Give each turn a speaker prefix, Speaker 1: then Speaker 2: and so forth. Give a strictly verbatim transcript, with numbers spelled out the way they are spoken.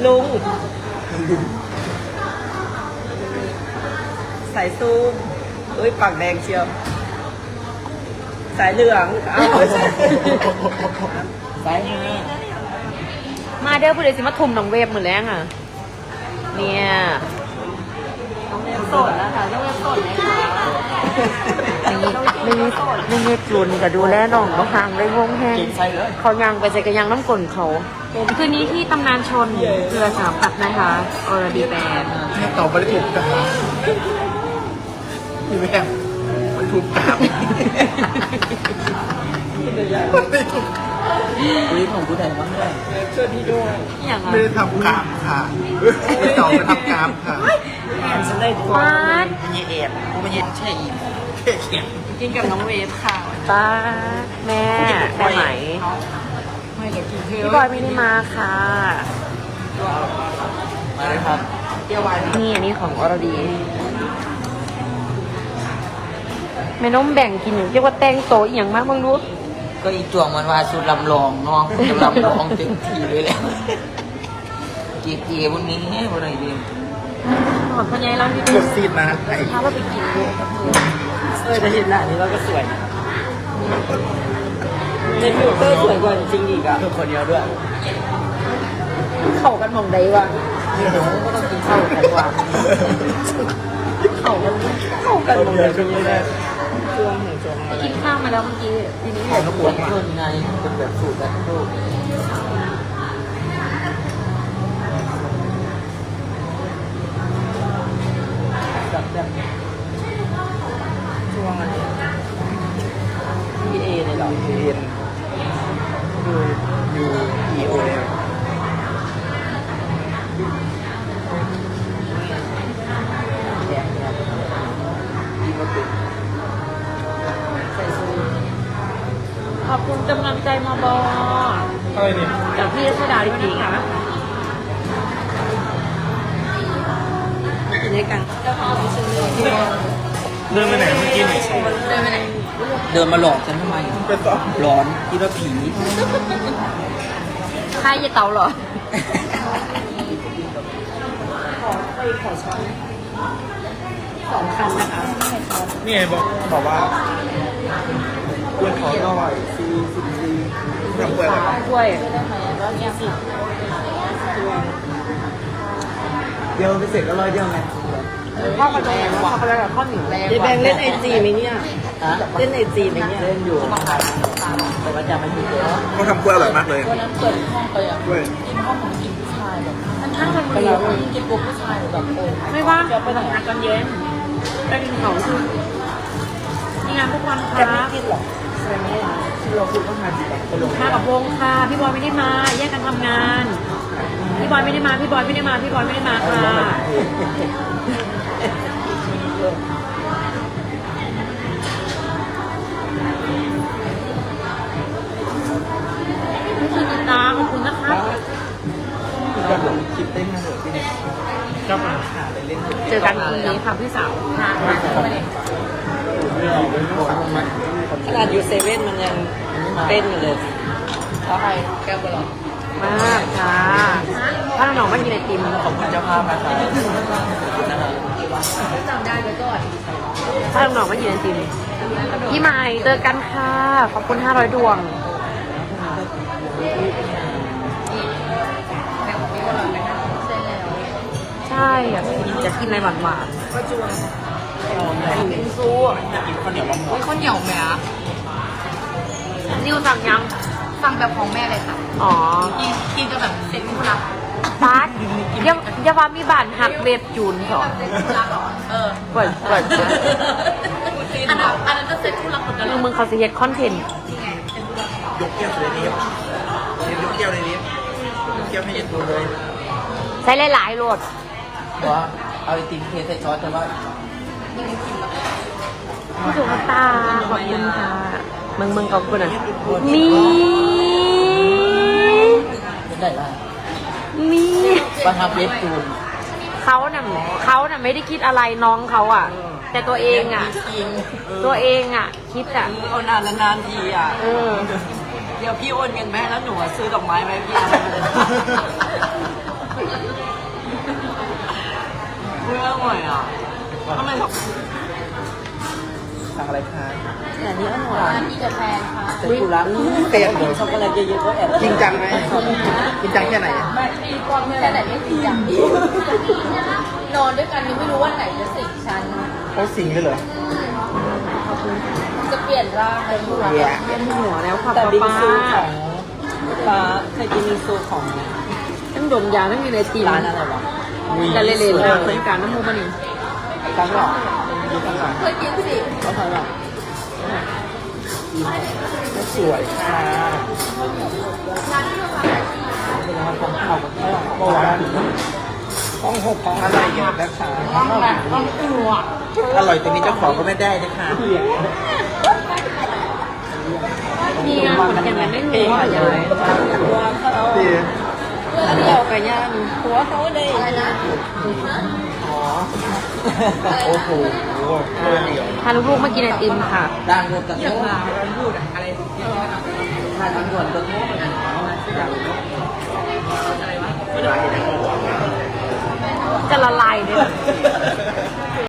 Speaker 1: ลุงสายซูมเอ้ยปากแดงเชียวสายเหลืองเอาสายห้า
Speaker 2: มาเด้อผู้ใดสิมาทุ่มน้องเวฟมือแรงอ่ะเนี่ยน้องเวฟสดแล้วค่ะน้องเวฟสดไหมคะไม่ไม่ไม่เงียบจุนกับดูแลน้องเขาห่างได้วงแห้งเขายังไปใจกันยังน้ำกลนเขาคืนนี้ที่ตำนานชนเรือสามปัดนะคะอรดีแบน
Speaker 3: นี่ตอบไม่ได้ถูกกาพี่แม่มันถูกกาบไม่ถูกคุยของกูไหนบ้างเลย
Speaker 1: ช่วยพี่ด้วย
Speaker 3: ไม่ได้ทำกามค่ะไม่ตอบไปทำกามค่ะ
Speaker 1: ฉันได้ตัว
Speaker 2: มัน
Speaker 3: เย็นกูไม่เย็นแช่อิ่มแช่เขียน
Speaker 1: กินกับน้องเวฟค่ะ
Speaker 2: ป้าแม่ได้ไหมพี่บอยไม่ได้มาค่ะ
Speaker 3: มาเลยครับเตี้ยววาย
Speaker 2: นี่อันนี้ของอรดีแม่น้องแบ่งกินเรียกว่าแตงโตอีกอย่างมากบ้างรู้
Speaker 3: ก็อีจวงมันว่าสุดลำลองเนาะลำลองเต็มทีเลยแหละเกี๊ยววันนี้วันไหนดี
Speaker 2: หอมพญายเราที่
Speaker 3: ดูซีดนะ
Speaker 2: ถ้าเราไปกินด้วยกับเพื่อน
Speaker 1: เออจะเห็นหน้านี้เราก็สวยในฟิลเตอร์สวยกว่าจริงอีกอ่ะ
Speaker 3: คือคนเดียวด้วย
Speaker 2: เข้ากันมองได้ว่ะ
Speaker 3: นี่หนูก็ต้องกินข้าวกันว่ะ
Speaker 2: เข้ากัน
Speaker 1: เข้ากันมองได้จริงเลยช่วงหนึ่งช่วงอะไร
Speaker 2: กินข้าวมาแล้วเมื่อกี้ทีนี้
Speaker 3: ของน้ำปวดเพิ่มไงเป็นแบบสูตรแบบโลกแบบแบบ
Speaker 1: ช่วงอะไรพีเอเลยหรอ
Speaker 3: พีเอ็นยูยูอีโอเอลแกงครับดีมากเลย
Speaker 1: ใส่ซู
Speaker 2: ขอบคุณกำลังใจมาบอ
Speaker 3: อะไรเนี่ย
Speaker 2: จากพี่รัชดาจริงๆค่ะ
Speaker 1: กินด้วยกัน
Speaker 3: เดินไปไหนเมื่อกี้ไหน
Speaker 1: เดินไปไหน
Speaker 3: เดินมาหลอกฉันทำไมร้อนคิดว่าผี
Speaker 2: ใครจะเตาเหรอ
Speaker 1: ขอไปขอช้อนสองคันนะคะ
Speaker 3: นี่ไงบอกบอกว่าเพื่อนขอหน่อยซีซีซีทำกล้วย
Speaker 2: กล้วย
Speaker 1: ร้อยยี่สิบ
Speaker 3: เดียวไปเสร็จก็ร้อยเดียวไง
Speaker 2: ข้าวกระเทียมข้าวกระเทียมข้าวเหนียวแรง
Speaker 1: ยายแบงเล่นไอจีไหมเนี่ยเล่นไอจีไหมเนี่ย
Speaker 3: เล่นอยู่แต่ว่าจะไม่ถูกเลยเขาทำกล้วยอร่อยมากเลย
Speaker 1: วันนั้นเปิดห้องไปอ่ะ
Speaker 3: กล้วย
Speaker 1: กินห้องของกินผู้ชายแบบ
Speaker 2: มันช่างมันมือ
Speaker 1: กินปุ๊บผู้ชายแบบโอ้
Speaker 2: ไม่ว่างไปทำงานตอนเย็นไปกินของคือนี่งานทุกวันค่ะ
Speaker 1: จะไม่กินหรอใช่ไหม
Speaker 3: เราคุณต้องทานดีกว่า
Speaker 2: มากับวงค่ะพี่บอยไม่ได้มาแยกกันทำงานพี่บอยไม่ได้มาพี่บอยไม่ได้มาพี่บอยไม่ได้มาค่ะนี่คือติดตามขอบคุณนะคะ
Speaker 3: ก็ลงคลิปได้มาเลยที่นี่ก็มาหาเล่น
Speaker 2: เจอกันคืนนี้ค่ะพี่สาวค่ะ
Speaker 1: ขนาดอยู่เซเว่นมันยังเต้นอยู่เลยแล้วใครแก้วบอล
Speaker 2: มากค่ะถ้าน้องๆไม่กินไอติม
Speaker 3: ขอบคุณเจ้าภาพนะคะ
Speaker 1: จำได้ไว้ก่อน
Speaker 2: ถ้าน้องๆไม่กินไอติมพี่ไม้เจอกันค่ะขอบคุณห้าร้อยดวงใช่อยากกินอยากกินอะไรหวานๆ
Speaker 1: ก็จวง
Speaker 2: กินซู
Speaker 3: อยากกินข้าวเหนียวมะม่วง
Speaker 1: ข้าวเหนียวไหมอ่ะ
Speaker 2: นิวสั่งยัง
Speaker 1: สั่งแบบของแม่เลยค่ะ
Speaker 2: อ๋อ
Speaker 1: กินกินกับแบบเซ็ตคุณรัก
Speaker 2: ฟาดอย่าอย่าว่ามีบานหักเว็บจูนสอน
Speaker 1: เออ
Speaker 2: เปิดเปิด
Speaker 1: อันนั้นอันนั้นก็เซ็ตคุณรักเหมือนกัน
Speaker 2: มึงเขาจะเฮ็ดคอนเทนต์
Speaker 3: ยกแก้วเลยนี้ยกแก้วเลยนี้ยกแก้วให้เย็นดูเลย
Speaker 2: ใช้หลายๆโหลด
Speaker 3: ว่าเอาไอติมเทใส่ช้อนแต่ว่า
Speaker 2: พี่สุภตาขอบคุณค่ะมึงมึงขอบคุณอ่ะมี
Speaker 3: เป็นได้ละ
Speaker 2: มี
Speaker 3: มาทำเล็บจูน
Speaker 2: เขาน่ะเขาน่ะไม่ได้คิดอะไรน้องเขาอ่ะแต่ตัวเองอ่ะตัวเองอ่ะคิดอ่ะ
Speaker 1: โอนนานละนานทีอ่ะ
Speaker 2: เออ
Speaker 1: เดี๋ยวพี่โอนเงินแม่แล้วหนูซื้อดอกไม้ไหมพี่ไม่อร่อยอ่ะทำไมแบบ
Speaker 4: สั่งอะไรคะ
Speaker 1: แต่อันนี้อร่อย
Speaker 2: ร้านที่กาแฟค่ะ
Speaker 1: แต่กูรัก
Speaker 4: เปรี้ยว
Speaker 1: กินช็อกโกแลตเยอะๆก็แอบ
Speaker 4: จริงจังไหมจริงจังแค่ไหน
Speaker 2: ไม่ตีกองแค่ไหนไม่จริงจังนอนด้วยกันยังไม่รู้ว่าไหนจะสิงฉัน
Speaker 4: เขาสิงเลยเหรอ
Speaker 2: จะเปลี่ยนร่างเลยลูก
Speaker 4: เหี้ย
Speaker 2: เวียนหัวแล้วค่ะ
Speaker 1: แต่
Speaker 2: ป้า
Speaker 1: บิง
Speaker 2: ป้า
Speaker 1: ซูของฟ้าเคยกินบิงซูของ
Speaker 2: ทั้งดมยาทั้งมีในตีม
Speaker 1: ร้านอะไรวะ
Speaker 2: แต่เล่นๆนะเคยการน้ำมูกมันนี่
Speaker 1: ตั้งหรอดูตั้งหรอ
Speaker 2: เคยกินสิ
Speaker 1: เขาทำหรอ
Speaker 4: สวยค่ะ
Speaker 1: เป็นอะไรของเขาแบบนี้
Speaker 4: เมื่อวานต้องหกของอะไรเยอะนะคะ
Speaker 2: ต้องแบบต้องตัว
Speaker 4: อร่อยตรงนี้เจ้าของก็ไม่ได้นะคะ
Speaker 2: มีงานคนยังไม่รู้ว่าอย่างไร
Speaker 1: ว่าเขา
Speaker 4: ดี
Speaker 2: เดียวกับย่างหัวเขาได้อะไรนะ
Speaker 4: อ๋อโอ้โหเพื่อนเดียว
Speaker 2: พาลูกๆมากินไอติมค่ะ
Speaker 1: ดังรวมกับโน้ตพูดอะไรทานด่วนตัวโน้ตกันอย่าง
Speaker 2: จะละลายเลย